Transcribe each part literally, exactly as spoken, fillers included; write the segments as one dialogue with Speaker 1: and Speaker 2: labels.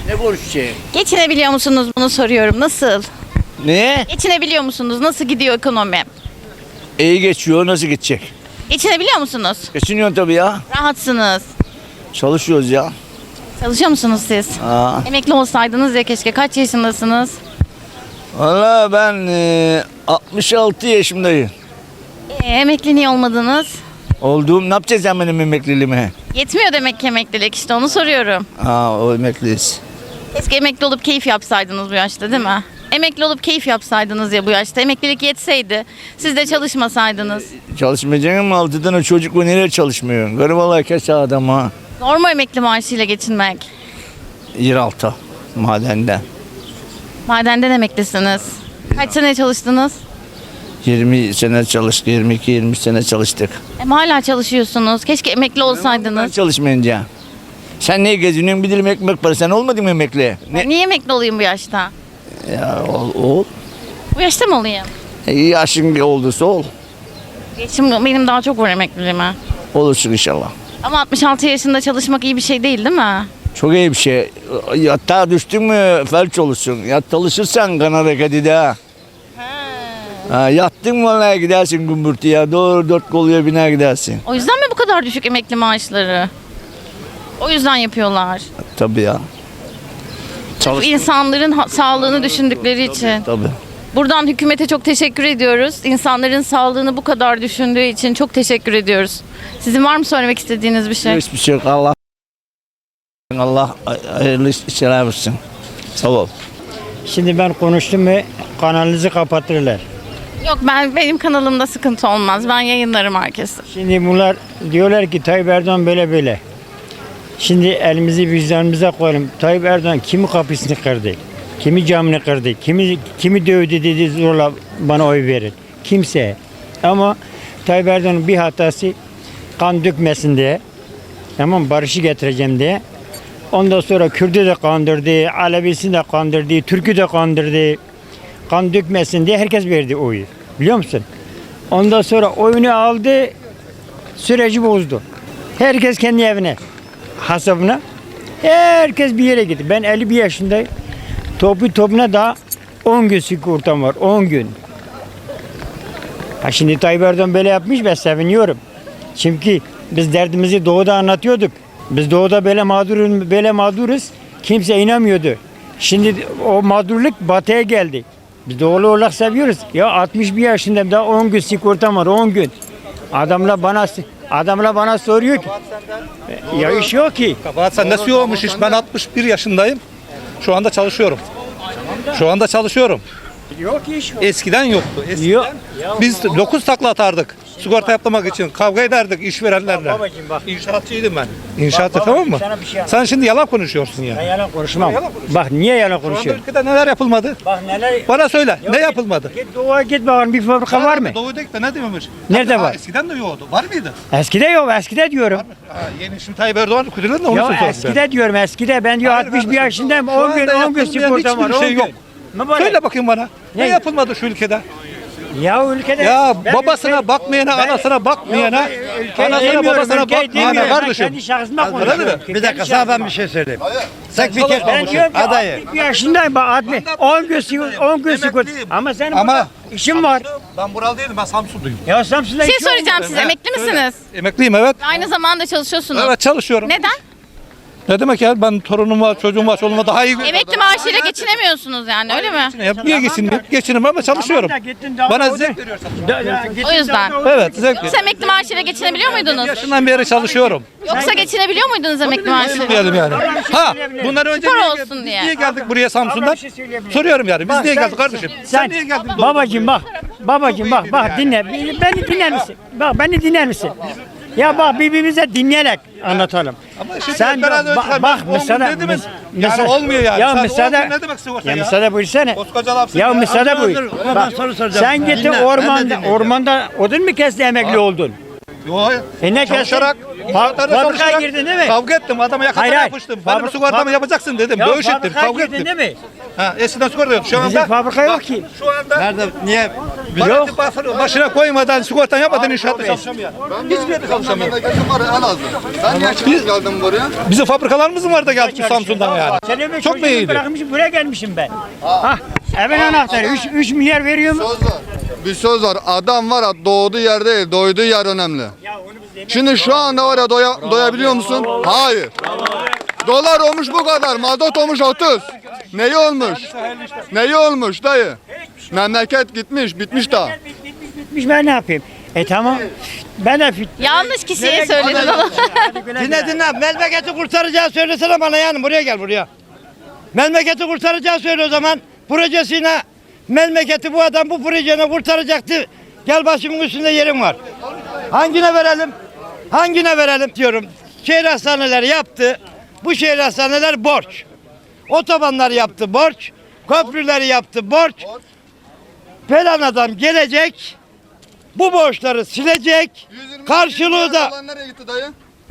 Speaker 1: Ne konuşacağım?
Speaker 2: Geçinebiliyor musunuz bunu soruyorum. Nasıl?
Speaker 1: Ne?
Speaker 2: Geçinebiliyor musunuz? Nasıl gidiyor ekonomi?
Speaker 1: İyi geçiyor, nasıl gidecek?
Speaker 2: Geçinebiliyor musunuz?
Speaker 1: Geçiniyorsun tabii ya.
Speaker 2: Rahatsınız.
Speaker 1: Çalışıyoruz ya.
Speaker 2: Çalışıyor musunuz siz?
Speaker 1: Aa.
Speaker 2: Emekli olsaydınız ya keşke. Kaç yaşındasınız?
Speaker 1: Valla ben e, altmış altı yaşındayım.
Speaker 2: Ee, emekli niye olmadınız?
Speaker 1: Olduğum ne yapacağız sen benim emekliliğime?
Speaker 2: Yetmiyor demek ki emeklilik, işte onu soruyorum.
Speaker 1: Aa, o emekliyiz.
Speaker 2: Keşke emekli olup keyif yapsaydınız bu yaşta, değil mi? Emekli olup keyif yapsaydınız ya bu yaşta. Emeklilik yetseydi. Siz de çalışmasaydınız.
Speaker 1: Çalışmayacaksın ama altı tane çocuk var, nereye çalışmıyorsun? Garip vallahi kes adam ha.
Speaker 2: Zor mu emekli maaşıyla geçinmek?
Speaker 1: Yeraltı madende.
Speaker 2: Madenden emeklisiniz. Kaç sene çalıştınız?
Speaker 1: yirmi sene çalıştık, yirmi iki yirmi sene çalıştık.
Speaker 2: Ama hala çalışıyorsunuz. Keşke emekli
Speaker 1: Ben
Speaker 2: olsaydınız.
Speaker 1: çalışmayınca. Sen neye geziniyorsun? Bir dilim ekmek parası. Sen olmadın mı emekli? Ne?
Speaker 2: Niye emekli olayım bu yaşta?
Speaker 1: Ya ol, ol.
Speaker 2: Bu yaşta mı olayım?
Speaker 1: E, yaşın olduysa ol.
Speaker 2: Geçim benim daha çok var emekliliğime.
Speaker 1: Olursun inşallah.
Speaker 2: Ama altmış altı yaşında çalışmak iyi bir şey değil, değil mi?
Speaker 1: Çok iyi bir şey. Yatağa düştün mü felç olursun. Yat çalışırsan kan hareketi de ha. Ha, yattın mı vallahi gidersin gümbürtüye. Doğru dört koluya biner gidersin.
Speaker 2: O yüzden mi bu kadar düşük emekli maaşları? O yüzden yapıyorlar.
Speaker 1: Tabii ya.
Speaker 2: Sırf insanların ha- sağlığını düşündükleri için.
Speaker 1: Tabii.
Speaker 2: Buradan hükümete çok teşekkür ediyoruz. İnsanların sağlığını bu kadar düşündüğü için çok teşekkür ediyoruz. Sizin var mı söylemek istediğiniz bir şey?
Speaker 1: Hiçbir şey yok. Allah Allah hayırlı işler versin. Sağ ol.
Speaker 3: Şimdi ben konuştum mu kanalınızı kapatırlar.
Speaker 2: Yok, ben benim kanalımda sıkıntı olmaz. Ben yayınlarım herkese.
Speaker 3: Şimdi bunlar diyorlar ki Tayyip Erdoğan böyle böyle. Şimdi elimizi vicdanımıza koyalım. Tayyip Erdoğan kimi kapısını kırdı? Kimi camını kırdı? Kimi kimi dövdü dedi zorla bana oy verin. Kimse. Ama Tayyip Erdoğan'ın bir hatası kan dökmesin diye. Tamam, barışı getireceğim diye. Ondan sonra Kürt'ü de kandırdı, Alevisini de kandırdı, Türk'ü de kandırdı. Kan dökmesin diye herkes verdi oyu. Biliyor musun? Ondan sonra oyunu aldı, süreci bozdu. Herkes kendi evine, hasabına. Herkes bir yere gitti. Ben elli bir yaşındayım. Topu topuna da on gün sigortam var, on gün. Ha şimdi Tayyip Erdoğan böyle yapmış, ben seviniyorum. Çünkü biz derdimizi doğuda anlatıyorduk. Biz doğuda böyle mağduruz, böyle mağduruz. Kimse inanmıyordu. Şimdi o mağdurluk batıya geldi. Biz doğulu olarak seviyoruz. Ya altmış bir yaşındayım, daha on gün sigortam var, on gün. Adamla bana adamla bana soruyor ki ya iş yok ki.
Speaker 4: Kabahat sende su olmuş iş. Ben altmış bir yaşındayım. Şu anda çalışıyorum. Şu anda çalışıyorum.
Speaker 3: Yok iş yok.
Speaker 4: Eskiden yoktu. Eskiden
Speaker 3: Yok.
Speaker 4: biz dokuz takla atardık. Sigorta yaptırmak için kavga ederdik işverenlerle.
Speaker 3: Bak babacığım bak.
Speaker 4: İnşaatçıydım ben. İnşaatçı,
Speaker 3: Bak
Speaker 4: tamam mı?
Speaker 3: babacığım, sana bir şey yap-
Speaker 4: Sen şimdi yalan konuşuyorsun ya.
Speaker 3: Ben yalan konuşmam.
Speaker 4: Yalan konuşuyorsun.
Speaker 3: Bak niye yalan
Speaker 4: Şu anda
Speaker 3: konuşuyorum?
Speaker 4: ülkede neler yapılmadı?
Speaker 3: Bak neler.
Speaker 4: Bana söyle.
Speaker 3: Ya
Speaker 4: ne
Speaker 3: git-
Speaker 4: yapılmadı?
Speaker 3: Git doğuya git bakalım, bir fabrika var mı?
Speaker 4: Doğu'da git de ne dememiş?
Speaker 3: Nerede
Speaker 4: Ha,
Speaker 3: var?
Speaker 4: Eskiden de yoktu. Var mıydı?
Speaker 3: Eskide yok, eskide diyorum.
Speaker 4: Ha, yeni şimdi Tayyip Erdoğan kuduruyor da onu
Speaker 3: Ya
Speaker 4: söylüyorum.
Speaker 3: eskide diyorum, eskide. Ben diyor
Speaker 4: Hayır
Speaker 3: altmış bir
Speaker 4: kardeşim,
Speaker 3: yaşındayım,
Speaker 4: şu
Speaker 3: on gün,
Speaker 4: anda
Speaker 3: on gün
Speaker 4: yapılmayan
Speaker 3: sigortam var,
Speaker 4: hiçbir
Speaker 3: on
Speaker 4: şey
Speaker 3: gün.
Speaker 4: yok.
Speaker 3: Ne böyle?
Speaker 4: Söyle bakayım bana. Ne,
Speaker 3: Ne?
Speaker 4: yapılmadı şu ülkede?
Speaker 3: Ya ülkede...
Speaker 4: Ya
Speaker 3: ben
Speaker 4: babasına
Speaker 3: ülke-
Speaker 4: bakmayana,
Speaker 3: ben-
Speaker 4: anasına bakmayana,
Speaker 3: Yok, ben ülkeyi
Speaker 4: anasına
Speaker 3: demiyorum,
Speaker 4: babasına
Speaker 3: ülkeyi
Speaker 4: bakmayana
Speaker 3: demiyorum. Ben
Speaker 4: kardeşim.
Speaker 3: kendi şahsıma
Speaker 4: Anladın mı?
Speaker 3: konuşuyorum.
Speaker 5: Bir dakika sana ben bir şey söyleyeyim. Sen bir kez
Speaker 3: Ben diyorum ki
Speaker 5: adayı.
Speaker 3: altmış bir yaşındayım bak altmış. on gün sigorta, on gün sigorta.
Speaker 4: Emekliyim.
Speaker 3: Ama senin
Speaker 4: Ama-
Speaker 3: burada işin var.
Speaker 4: Ben buralı değilim, ben Samsunluyum.
Speaker 3: Ya Samsun'da
Speaker 2: Bir şey
Speaker 3: işin var.
Speaker 2: soracağım size. Emekli misiniz?
Speaker 4: Emekliyim, evet.
Speaker 2: Aynı zamanda çalışıyorsunuz.
Speaker 4: Evet, çalışıyorum.
Speaker 2: Neden?
Speaker 4: Ne demek ya? Ben torunum var, çocuğum var, çoluğuma daha iyi.
Speaker 2: Emekli maaşıyla geçinemiyorsunuz yani, öyle mi?
Speaker 4: Hep niye geçineyim? Geçinim ama çalışıyorum.
Speaker 3: Tamam da gittin daha
Speaker 4: Bana
Speaker 3: da o
Speaker 4: zevk
Speaker 3: da-
Speaker 4: veriyor
Speaker 3: Da- da- gittin
Speaker 2: O yüzden.
Speaker 3: daha da o-
Speaker 4: Evet, zevk
Speaker 2: Yoksa
Speaker 4: veriyor.
Speaker 2: emekli maaşıyla geçinebiliyor muydunuz?
Speaker 4: Yaşından beri çalışıyorum.
Speaker 2: Yoksa geçinebiliyor muydunuz emekli maaşıyla?
Speaker 4: Diyelim yani. Ha, bundan önce
Speaker 2: Spor
Speaker 4: niye,
Speaker 2: olsun
Speaker 4: biz
Speaker 2: diye.
Speaker 4: niye geldik buraya Samsun'dan?
Speaker 3: Ama bir şey söyleyebilirim.
Speaker 4: Soruyorum yani. Biz
Speaker 3: Bak
Speaker 4: niye
Speaker 3: sen-
Speaker 4: geldik kardeşim? Sen,
Speaker 3: Sen,
Speaker 4: niye geldin?
Speaker 3: babacığım bak, babacığım bak, bak
Speaker 4: yani.
Speaker 3: dinle, beni dinler misin? Bak beni dinler misin? Ya bak birbirimize dinleyerek anlatalım.
Speaker 4: Ama şimdi
Speaker 3: Sen
Speaker 4: beraber
Speaker 3: bak,
Speaker 4: çıkar,
Speaker 3: bak
Speaker 4: ben on gün
Speaker 3: mesela,
Speaker 4: dedim mi?
Speaker 3: mes-
Speaker 4: Yani
Speaker 3: mesela-
Speaker 4: olmuyor yani.
Speaker 3: Ya
Speaker 4: Sen on
Speaker 3: müsaade,
Speaker 4: gün ne demek sigorta
Speaker 3: ya
Speaker 4: ya?
Speaker 3: müsaade buyursana.
Speaker 4: Koskoca lafsın
Speaker 3: Ya
Speaker 4: ya.
Speaker 3: müsaade buyur.
Speaker 5: dur, ama
Speaker 3: Bak,
Speaker 5: ben soru soracağım.
Speaker 3: sen gittin
Speaker 5: Dinle, ben de
Speaker 3: ormanda,
Speaker 5: dinleyeceğim.
Speaker 3: ormanda odun mu kestin emekli oldun?
Speaker 4: Yo,
Speaker 3: E ne kestin?
Speaker 4: çalışarak,
Speaker 3: Fa-
Speaker 4: inşaatlarda
Speaker 3: fabrikaya
Speaker 4: çalışarak
Speaker 3: girdin değil mi?
Speaker 4: Kavga ettim, adama yakasına
Speaker 3: Hayır, hayır.
Speaker 4: yapıştım. Benim
Speaker 3: Fabri-
Speaker 4: sigortamı
Speaker 3: fabri-
Speaker 4: yapacaksın dedim,
Speaker 3: Ya
Speaker 4: dövüş ettim,
Speaker 3: fabrikaya
Speaker 4: kavga
Speaker 3: girdin
Speaker 4: ettim.
Speaker 3: değil mi?
Speaker 4: Ha, eskiden sigorta yoktu. Şu anda
Speaker 3: Bizim fabrika yok
Speaker 4: bak,
Speaker 3: ki.
Speaker 4: Şu anda
Speaker 5: Nerede? Niye?
Speaker 4: Yok. Başına koymadan sigortan yapmadan inşaatta çalışamıyor. Hiçbir yerde çalışamıyor.
Speaker 6: Memleketim var Elazığ. Ben niye çıkıp geldim buraya?
Speaker 4: Bizim fabrikalarımız mı var da geldik bu Samsun'dan yani?
Speaker 3: Senin
Speaker 4: Çok mu iyiydi?
Speaker 3: Bırakmışım buraya gelmişim ben. Ah, evin anahtarı üç milyar veriyor mu?
Speaker 6: Söz var. Bir söz var. Adam var ya doğduğu yer değil, doyduğu yer önemli. Şimdi şu anda var ya doya, doyabiliyor musun? Hayır. Dolar olmuş bu kadar, mazot olmuş otuz. Neyi olmuş? Neyi olmuş dayı? Memleket gitmiş, bitmiş daha.
Speaker 3: Bitmiş ben ne yapayım? E tamam. Ben de fit.
Speaker 2: Yanlış kişiye söyledin ama.
Speaker 5: Dinle dinle. Memleketi kurtaracağı söylesene bana yani. Buraya gel buraya. Memleketi kurtaracağı söyle o zaman. Projesine memleketi bu adam bu projene kurtaracaktı. Gel başımın üstünde yerim var. Hangine verelim? Hangine verelim diyorum. Şehir hastaneleri yaptı. Bu şehir hastaneler borç. Otobanlar yaptı borç. Köprüleri yaptı borç. Falan adam gelecek. Bu borçları silecek. Karşılığı da
Speaker 6: Nereye gitti dayı?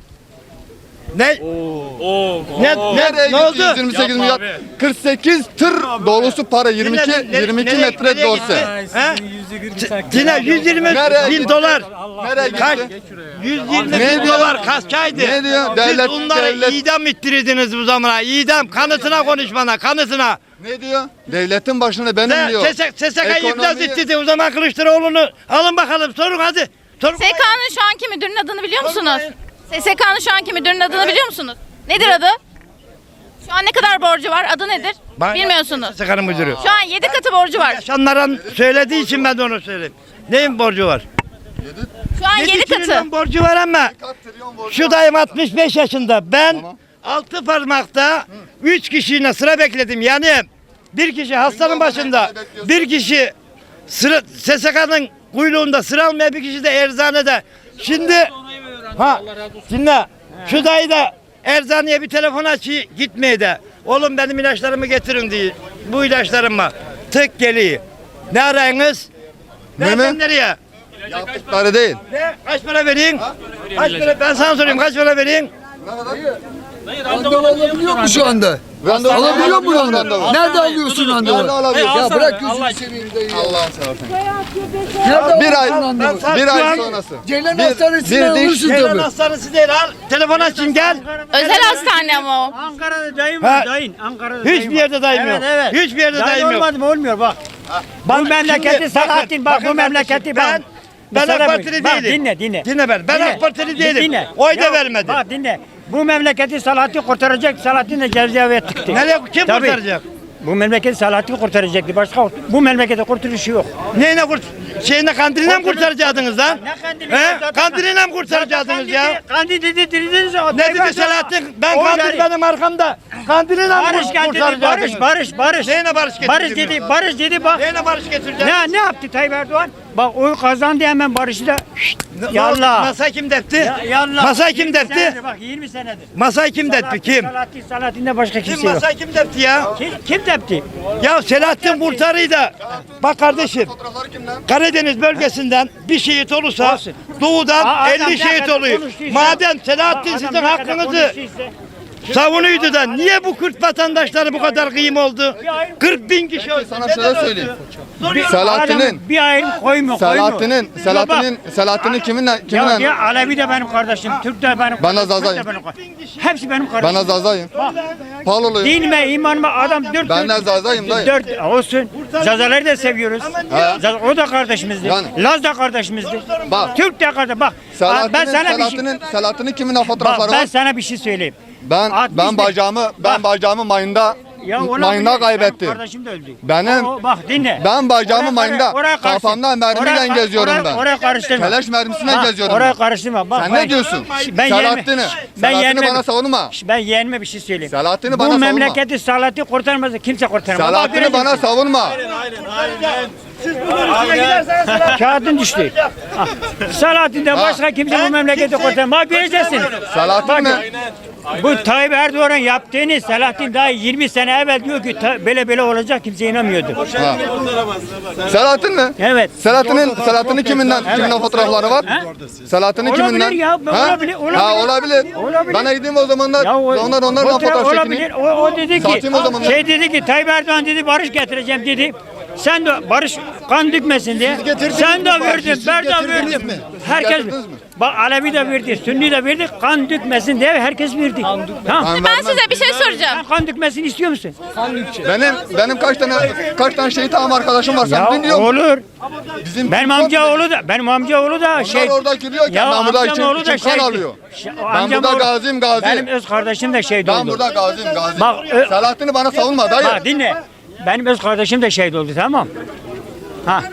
Speaker 5: ne? Ne,
Speaker 6: Nereye
Speaker 5: ne, ne
Speaker 6: gitti
Speaker 5: oldu?
Speaker 6: yüz yirmi sekiz milyar? kırk sekiz tır dolusu para, yirmi iki
Speaker 5: Dinle,
Speaker 6: yirmi iki
Speaker 5: nereye-
Speaker 6: metre
Speaker 5: nereye
Speaker 6: dorse.
Speaker 5: gitti? He? Yine yüz yirmi
Speaker 6: Nereye
Speaker 5: bin
Speaker 6: gitti?
Speaker 5: dolar.
Speaker 6: Nereye
Speaker 5: Kaç?
Speaker 6: gitti?
Speaker 5: yüz yirmi
Speaker 6: Ne
Speaker 5: bin
Speaker 6: diyor?
Speaker 5: dolar kaçaydı?
Speaker 6: Ne diyor?
Speaker 5: Siz
Speaker 6: Devlet-
Speaker 5: bunları
Speaker 6: devlet-
Speaker 5: idam ettirdiniz bu zamana. İdam kanıtına konuş bana kanıtına.
Speaker 6: Ne diyor? Devletin başında benim
Speaker 5: Ne?
Speaker 6: diyor.
Speaker 5: S S K'yı iflas
Speaker 6: Ekonomiyi-
Speaker 5: ettirdi o zaman Kılıçdaroğlu'nu. Alın bakalım sorun hadi. Sorun.
Speaker 2: S S K'nın şu anki müdürünün adını biliyor musunuz? S S K'nın şu anki müdürünün adını biliyor musunuz? Nedir adı? Şu an ne kadar borcu var? Adı nedir?
Speaker 5: Bana-
Speaker 2: Bilmiyorsunuz.
Speaker 5: S S K'nın müdürü.
Speaker 2: Şu an yedi katı borcu var.
Speaker 5: Yaşanların söylediği için ben de onu söyleyeyim. Neyin borcu var?
Speaker 2: Şu an yedi katı.
Speaker 5: trilyon borcu var ama şu dayım altmış beş yaşında. Ben altı parmakta üç kişiyle sıra bekledim. Yani bir kişi hastanın başında, bir kişi sıra S S K'nın kuyruğunda sıra almaya, bir kişi de eczanede. Şimdi ha dinle. Şu dayı da eczaneye bir telefon açıyor gitmeye de. Oğlum benim ilaçlarımı getirin diye. Bu ilaçlarımı tık geliyor. Ne arayınız?
Speaker 6: Ne mi?
Speaker 5: Nereden nereye?
Speaker 6: Yaptıkları değil.
Speaker 5: Ne? Kaç para vereyim? Kaç para? Ben sana sorayım kaç para vereyim?
Speaker 7: Randevu alabiliyor mu şu anda?
Speaker 6: Randevu
Speaker 7: Alabiliyor mu
Speaker 6: randevu?
Speaker 7: randevu? Nerede alıyorsun randevu?
Speaker 6: Nerede alabiliyorsun?
Speaker 7: Ya bırak gözünü seveyim dayı.
Speaker 6: Allah'ın seversen.
Speaker 7: Nerede
Speaker 6: Bir ay,
Speaker 7: alıyorsun randevu?
Speaker 5: Ben-
Speaker 6: bir
Speaker 5: Şu
Speaker 6: ay
Speaker 5: an-
Speaker 6: sonrası.
Speaker 7: Ceylan
Speaker 6: Bir-
Speaker 7: Hastanesi'nden
Speaker 6: bir diş-
Speaker 7: alırsın
Speaker 5: Ceylan
Speaker 7: tabii.
Speaker 5: hastanesi değil al. Telefon açın gel.
Speaker 2: Özel hastane ama o.
Speaker 3: Ankara'da dayım
Speaker 5: Ha.
Speaker 3: var dayın. Ankara'da dayım
Speaker 5: Hiçbir
Speaker 3: var.
Speaker 5: yerde dayım
Speaker 3: Evet,
Speaker 5: yok.
Speaker 3: evet.
Speaker 5: Hiçbir yerde
Speaker 3: Dayın
Speaker 5: dayım yok.
Speaker 3: olmadı mı olmuyor bak.
Speaker 5: Bak,
Speaker 3: Bu memleketi
Speaker 5: şimdi
Speaker 3: Selahattin bak bu
Speaker 5: bakın
Speaker 3: memleketi
Speaker 5: ben
Speaker 3: bak.
Speaker 5: ben
Speaker 3: Sana
Speaker 5: AK
Speaker 3: bak,
Speaker 5: Partili
Speaker 3: bak,
Speaker 5: değilim.
Speaker 3: Dinle dinle.
Speaker 5: Dinle ben. Ben
Speaker 3: Dinle.
Speaker 5: AK Partili değilim.
Speaker 3: Dinle.
Speaker 5: Oy da
Speaker 3: Ya,
Speaker 5: vermedim.
Speaker 3: Bak dinle. Bu memleketi Selahattin kurtaracak. Selahattin de cezaevine tıktı.
Speaker 5: Nereye kim
Speaker 3: Tabii.
Speaker 5: kurtaracak?
Speaker 3: Bu memleketi Selahattin kurtaracaktı. Başka bu memlekete kurtuluşu yok.
Speaker 5: Neyine kurt şeyine kandiliyle mi kurtaracaktınız lan?
Speaker 3: Ne kandili?
Speaker 5: He? Kandiliyle mi kurtaracaktınız ya?
Speaker 3: Kandil dedi dediniz. o
Speaker 5: Ne
Speaker 3: Tayyip
Speaker 5: dedi
Speaker 3: Erdoğan-
Speaker 5: Selahattin? Ben
Speaker 3: Oy
Speaker 5: kandil
Speaker 3: verdi.
Speaker 5: benim arkamda. Kandiliyle mi
Speaker 3: Barış geldi dedi. Barış
Speaker 5: kurtaracaktınız?
Speaker 3: barış barış.
Speaker 5: Neyine barış getirdin?
Speaker 3: Barış dedi. Barış dedi bak.
Speaker 5: Neyine barış getireceksin?
Speaker 3: Ne ne yaptı Tayyip Erdoğan? Bak oy kazandı hemen barışı da. Şşt,
Speaker 5: Ne- ne
Speaker 3: yallah.
Speaker 5: oldu? Masayı kim depti?
Speaker 3: Ya- yallah.
Speaker 5: Masayı kim
Speaker 3: yirmi
Speaker 5: depti?
Speaker 3: senedir, Bak yirmi senedir.
Speaker 5: Masayı kim depti? Kim?
Speaker 3: Selahattin, Selahattin'de başka
Speaker 5: Kim
Speaker 3: kimse yok.
Speaker 5: masayı kim depti ya?
Speaker 3: Kim, kim tepti?
Speaker 5: Ya Selahattin kurtarıyı da bak kardeşim
Speaker 6: Fotoğrafları kimden?
Speaker 5: Karadeniz bölgesinden bir şehit olursa
Speaker 3: Olsun.
Speaker 5: doğudan
Speaker 3: Aa, adam
Speaker 5: elli
Speaker 3: ne
Speaker 5: şehit
Speaker 3: kadar
Speaker 5: oluyor.
Speaker 3: konuştuysa-
Speaker 5: Madem Selahattin
Speaker 3: Adam
Speaker 5: sizin
Speaker 3: ne kadar
Speaker 5: hakkınızı
Speaker 3: konuştuysa-
Speaker 5: savunuyordu da niye bu Kürt vatandaşları bu kadar kıyım oldu? kırk bin kişi öldü.
Speaker 6: Sana
Speaker 5: Neden
Speaker 6: şöyle
Speaker 5: öldü?
Speaker 6: söyleyeyim.
Speaker 5: Soruyorum.
Speaker 6: Selahattin'in
Speaker 3: Adamın bir ayrım koyma koyma.
Speaker 6: Selahattin'in
Speaker 3: Bak,
Speaker 6: Selahattin'in Selahattin'in kiminle
Speaker 3: Ya,
Speaker 6: kiminle
Speaker 3: ya Alevi de benim kardeşim, Türk de benim
Speaker 6: Bana
Speaker 3: kardeşim, Kürt de
Speaker 6: zazayım.
Speaker 3: benim kardeşim. Hepsi benim kardeşim.
Speaker 6: bana zazayım.
Speaker 3: Bak,
Speaker 6: Paloluyum.
Speaker 3: dinime, imanıma adam dört
Speaker 6: Ben de zazayım dayı.
Speaker 3: Dört olsun. Zazaları da seviyoruz.
Speaker 6: Ha.
Speaker 3: Zaz- O da kardeşimizdi.
Speaker 6: Yani.
Speaker 3: Laz da kardeşimizdi.
Speaker 6: Bak.
Speaker 3: Türk de kardeş. Bak.
Speaker 6: Selahattin'in
Speaker 3: ben sana bir şey,
Speaker 6: Selahattin'in Selahattin'in kiminle
Speaker 3: bak,
Speaker 6: fotoğrafları
Speaker 3: ben
Speaker 6: var?
Speaker 3: sana bir şey söyleyeyim.
Speaker 6: Ben
Speaker 3: altmış
Speaker 6: ben
Speaker 3: beş
Speaker 6: bacağımı ben
Speaker 3: Bak.
Speaker 6: bacağımı mayında
Speaker 3: Ya ona
Speaker 6: mayında
Speaker 3: bile-
Speaker 6: kaybettim.
Speaker 3: Benim kardeşim de öldü.
Speaker 6: Benim-
Speaker 3: O- bak dinle.
Speaker 6: Ben bacağımı
Speaker 3: Oraya-
Speaker 6: mayında
Speaker 3: oraya- oraya karşı-
Speaker 6: kafamdan mermiyle
Speaker 3: oraya-
Speaker 6: geziyorum
Speaker 3: oraya-
Speaker 6: ben.
Speaker 3: Oraya karıştırma.
Speaker 6: Keleş mermisiyle
Speaker 3: Bak,
Speaker 6: geziyorum
Speaker 3: Oraya
Speaker 6: ben.
Speaker 3: karıştırma. Bak,
Speaker 6: Sen
Speaker 3: ben-
Speaker 6: ne diyorsun?
Speaker 3: Ben
Speaker 6: Selahattin'i.
Speaker 3: Ben
Speaker 6: Selahattin'i
Speaker 3: yeğenime-
Speaker 6: bana savunma.
Speaker 3: Ben yeğenime bir şey söyleyeyim.
Speaker 6: Selahattin'i
Speaker 3: Bu
Speaker 6: bana savunma.
Speaker 3: memleketi Selahattin kurtarmaz. Kimse kurtaramaz. Bak,
Speaker 6: Selahattin'i
Speaker 3: göreceksin.
Speaker 6: bana savunma.
Speaker 5: Siz bunun üstüne giderseniz Selahattin
Speaker 3: Kağıdın düştü. Ah. Selahattin'den başka kimse bu memleketi kurtaramaz. Bak göreceksin.
Speaker 6: Selahattin
Speaker 3: Bak,
Speaker 6: mi?
Speaker 3: bu Tayyip Erdoğan'ın yaptığını Selahattin daha yirmi sene evvel diyor ki ta- böyle böyle olacak, kimse inanmıyordu.
Speaker 6: Ha. Selahattin mi?
Speaker 3: Evet.
Speaker 6: Selahattin'in Selahattin'in kiminden kiminden fotoğrafları var?
Speaker 3: Ha?
Speaker 6: Selahattin'in
Speaker 3: Olabilir
Speaker 6: kiminden?
Speaker 3: ya,
Speaker 6: Ha?
Speaker 3: olabilir, olabilir.
Speaker 6: Ha olabilir.
Speaker 3: Olabilir.
Speaker 6: Ben gideyim o zamanlar
Speaker 3: Ya o-
Speaker 6: onlar onlarla
Speaker 3: fotoğraf
Speaker 6: fotoğraf
Speaker 3: olabilir.
Speaker 6: çekeyim.
Speaker 3: O, o dedi ki
Speaker 6: Satayım o zaman.
Speaker 3: şey dedi ki Tayyip Erdoğan dedi barış getireceğim dedi. Sen de barış kan dökmesin diye. Sen de verdin, ben de verdim. Herkes
Speaker 6: getirdiniz mi?
Speaker 3: bak Alevi de verdi, Sünni de verdi. Kan dökmesin diye herkes verdi. Tamam.
Speaker 6: Ben
Speaker 2: Ben
Speaker 6: vermem.
Speaker 2: size bir şey soracağım.
Speaker 3: Sen kan dökmesini istiyor musun?
Speaker 6: Benim benim kaç tane kaç tane şehit ağam arkadaşım var sen
Speaker 3: Ya
Speaker 6: biliyor musun?
Speaker 3: olur.
Speaker 6: Bizim
Speaker 3: Benim amcaoğlu da benim amcaoğlu da şey.
Speaker 6: orada giriyorken
Speaker 3: Ya
Speaker 6: ben burada
Speaker 3: amcaoğlu
Speaker 6: için,
Speaker 3: da
Speaker 6: için kan
Speaker 3: şey-
Speaker 6: alıyor.
Speaker 3: Şey-
Speaker 6: Ben
Speaker 3: amcam
Speaker 6: burada
Speaker 3: oğlu-
Speaker 6: gaziyim gazi.
Speaker 3: Benim öz kardeşim de şehit
Speaker 6: Ben
Speaker 3: oldu.
Speaker 6: burada gaziyim gazi.
Speaker 3: Bak, ö-
Speaker 6: Selahattin'i bana savunma dayı.
Speaker 3: Bak dinle. Benim öz kardeşim de şehit oldu, tamam. Ha.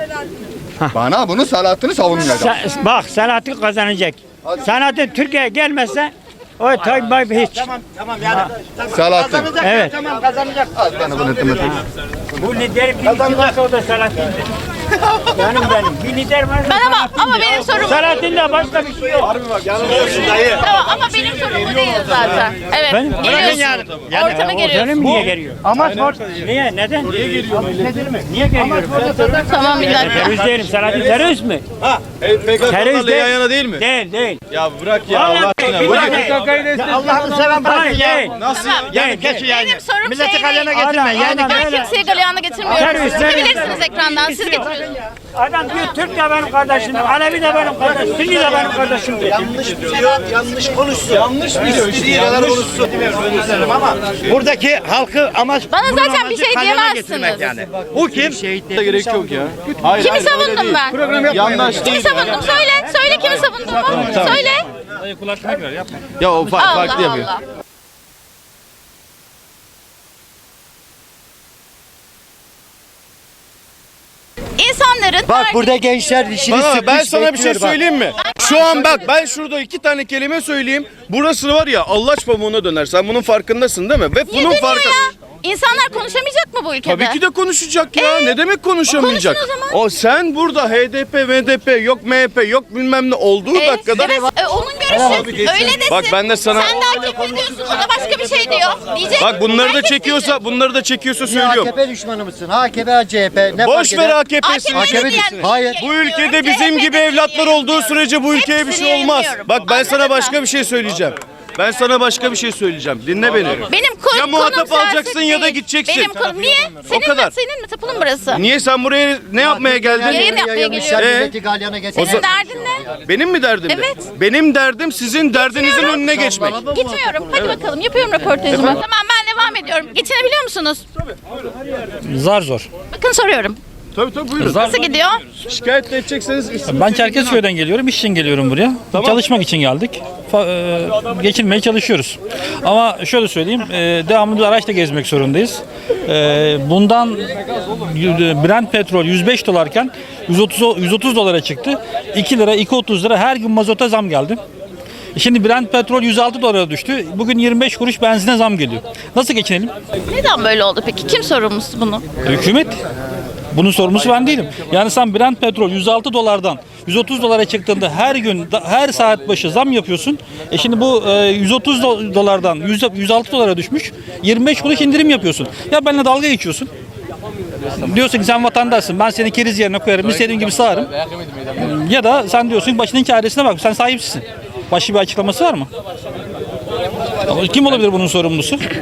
Speaker 6: Bana bunu Selahattin'i savunmayacak.
Speaker 3: Sen- bak Selahattin kazanacak. Selahattin Türkiye'ye gelmezse o Tayyip Bey hiç.
Speaker 5: Tamam tamam yani.
Speaker 6: Selahattin.
Speaker 5: Kazanacak.
Speaker 3: Evet.
Speaker 5: Tamam kazanacak.
Speaker 6: Az bana bunu ettim.
Speaker 3: Bu lider bir varsa o da Selahattin'dir. Canım benim. Bir lider varsa
Speaker 2: Ben ama
Speaker 3: Selahattin'dir.
Speaker 2: ama benim sorum
Speaker 3: Selahattin'de başka bir şey yok.
Speaker 2: tamam ama benim sorum bu değil zaten. Evet.
Speaker 3: Ben-
Speaker 2: Geliyorsun.
Speaker 5: yani.
Speaker 2: Ortama
Speaker 3: O
Speaker 2: geliyorsun.
Speaker 3: canım niye geliyor?
Speaker 5: Ama sor.
Speaker 3: Niye? Neden? Niye geliyor? Niye geliyor?
Speaker 2: Tamam bir dakika.
Speaker 3: Terörist değilim. Selahattin terörist mi? Terörist
Speaker 8: yan yana değil mi?
Speaker 3: Değil, değil.
Speaker 8: Ya bırak ya
Speaker 3: Vallahi
Speaker 8: Allah aşkına.
Speaker 3: değil,
Speaker 8: Bırak.
Speaker 3: değil.
Speaker 5: Allah'ını seven bırakın
Speaker 3: Hayır,
Speaker 5: ya.
Speaker 3: değil.
Speaker 8: Nasıl?
Speaker 2: Tamam.
Speaker 5: Yani geç yani.
Speaker 2: Benim sorum
Speaker 5: Milleti
Speaker 2: şey
Speaker 5: kalyana
Speaker 2: değil.
Speaker 5: getirme.
Speaker 3: Adam,
Speaker 5: Yani
Speaker 3: adam.
Speaker 2: Ben
Speaker 3: Öyle.
Speaker 2: kimseyi galeyana getirmiyorum.
Speaker 3: Terörist,
Speaker 2: Siz
Speaker 3: terörist.
Speaker 2: bilirsiniz ekrandan. Siz getiriyorsunuz.
Speaker 3: Adam diyor Türk de benim kardeşim, Alevi de benim kardeşim, Sünni de benim kardeşim diyor.
Speaker 5: yanlış konuşsun. Yanlış biliyor. İstediği kadar konuşsun. Ama buradaki halkı amaç
Speaker 2: Bana
Speaker 5: bunun
Speaker 2: zaten
Speaker 5: amacı
Speaker 2: bir şey
Speaker 5: kalyana
Speaker 2: diyemezsiniz.
Speaker 5: getirmek Yani. Bu kim?
Speaker 8: Gerek yok ya. Hayır,
Speaker 2: Kimi
Speaker 8: hayır, öyle
Speaker 2: savundum
Speaker 8: değil.
Speaker 2: ben?
Speaker 8: Yandaş
Speaker 2: Kimi
Speaker 8: değil.
Speaker 2: savundum? Söyle. Söyle kimi savundum? Söyle.
Speaker 8: Ya o fa-
Speaker 2: Allah
Speaker 8: farklı yapıyor.
Speaker 2: Allah. İnsanların
Speaker 9: Bak
Speaker 2: verdiği-
Speaker 9: burada gençler dişini
Speaker 8: Bana
Speaker 9: sıkmış
Speaker 8: ben sana bir şey
Speaker 9: bekliyor bak.
Speaker 8: söyleyeyim mi? Şu an bak ben şurada iki tane kelime söyleyeyim. Burası var ya Allaç pamuğuna döner. Sen bunun farkındasın değil mi? Ve
Speaker 2: Niye
Speaker 8: bunun
Speaker 2: dönüyor
Speaker 8: farkı.
Speaker 2: ya? İnsanlar konuşamayacak mı bu ülkede?
Speaker 8: Tabii ki de konuşacak ya.
Speaker 2: Ee,
Speaker 8: ne demek konuşamayacak?
Speaker 2: konuşun o zaman.
Speaker 8: O sen burada H D P, M D P, yok M H P, yok bilmem ne olduğu
Speaker 2: Ee,
Speaker 8: dakikada.
Speaker 2: evet, e, onun görüşü. Öyle desin.
Speaker 8: Bak ben de sana-
Speaker 2: Sen de A K P diyorsun. O da başka bir şey diyor. Diyecek.
Speaker 8: Bak bunları da
Speaker 2: Herkes
Speaker 8: çekiyorsa,
Speaker 2: diyecek.
Speaker 8: bunları da çekiyorsa
Speaker 9: Niye
Speaker 8: söylüyorum.
Speaker 9: A K P düşmanı mısın? A K P, C H P ne
Speaker 8: Boş
Speaker 9: fark
Speaker 8: ver
Speaker 9: eder?
Speaker 8: A K P'si.
Speaker 2: A K P'yi
Speaker 9: A K P
Speaker 2: diyen-
Speaker 9: düşsün. Hayır.
Speaker 8: Bu ülkede
Speaker 2: C H
Speaker 8: bizim
Speaker 2: P'de
Speaker 8: gibi evlatlar olduğu sürece bu ülkeye bir
Speaker 2: Hepsini
Speaker 8: şey olmaz.
Speaker 2: yayınlıyorum.
Speaker 8: Bak ben sana
Speaker 2: Anladın
Speaker 8: başka
Speaker 2: mı?
Speaker 8: bir şey söyleyeceğim. Ben sana başka bir şey söyleyeceğim. Dinle beni.
Speaker 2: Benim konu,
Speaker 8: Ya muhatap
Speaker 2: konum
Speaker 8: alacaksın
Speaker 2: siyaset
Speaker 8: ya da
Speaker 2: değil.
Speaker 8: gideceksin.
Speaker 2: Benim konum niye? Senin
Speaker 8: kadar.
Speaker 2: mi? Senin mi? Tapulun burası.
Speaker 8: Niye sen buraya ne yapmaya geldin?
Speaker 2: Yayın yapmaya
Speaker 9: Yayılmışlar,
Speaker 2: geliyorum.
Speaker 9: milleti galyana getirmek.
Speaker 2: Senin derdin ne?
Speaker 8: Benim mi derdim?
Speaker 2: Evet.
Speaker 8: Benim derdim sizin derdinizin
Speaker 2: Gitmiyorum.
Speaker 8: önüne geçmek.
Speaker 2: Gitmiyorum. Hadi bakalım. Yapıyorum röportajımı. Tamam ben devam ediyorum. Geçinebiliyor musunuz?
Speaker 10: Zar zor.
Speaker 2: Bakın soruyorum.
Speaker 8: Tabii tabii buyurun.
Speaker 2: Nasıl gidiyor?
Speaker 8: Şikayet de edecekseniz isim-
Speaker 10: Ben Çerkezköy'den geliyorum. İş için geliyorum buraya. Çalışmak için geldik. Fa- e, geçinmeye çalışıyoruz. Ama şöyle söyleyeyim. e, devamlı bir araçla gezmek zorundayız. E, bundan y- Brent petrol yüz beş dolarken yüz otuz yüz otuz dolara çıktı. iki lira, iki otuz lira her gün mazota zam geldi. Şimdi Brent petrol yüz altı dolara düştü. Bugün yirmi beş kuruş benzine zam geliyor. Nasıl geçinelim?
Speaker 2: Neden böyle oldu peki? Kim sorumlusu bunu?
Speaker 10: Hükümet. Bunun sorumlusu ben değilim. Yani sen Brent petrol yüz altı dolardan yüz otuz dolara çıktığında her gün da- her saat başı zam yapıyorsun. E şimdi bu e, yüz otuz do- dolardan yüz, yüz altı dolara düşmüş. yirmi beş kuruş indirim yapıyorsun. Ya benimle dalga geçiyorsun. Diyorsun ki sen vatandaşsın. Ben seni keriz yerine koyarım. İstediğim gibi sağarım. Ya da sen diyorsun ki başının çaresine bak. Sen sahipsin. Başka bir açıklaması var mı? Kim olabilir bunun sorumlusu?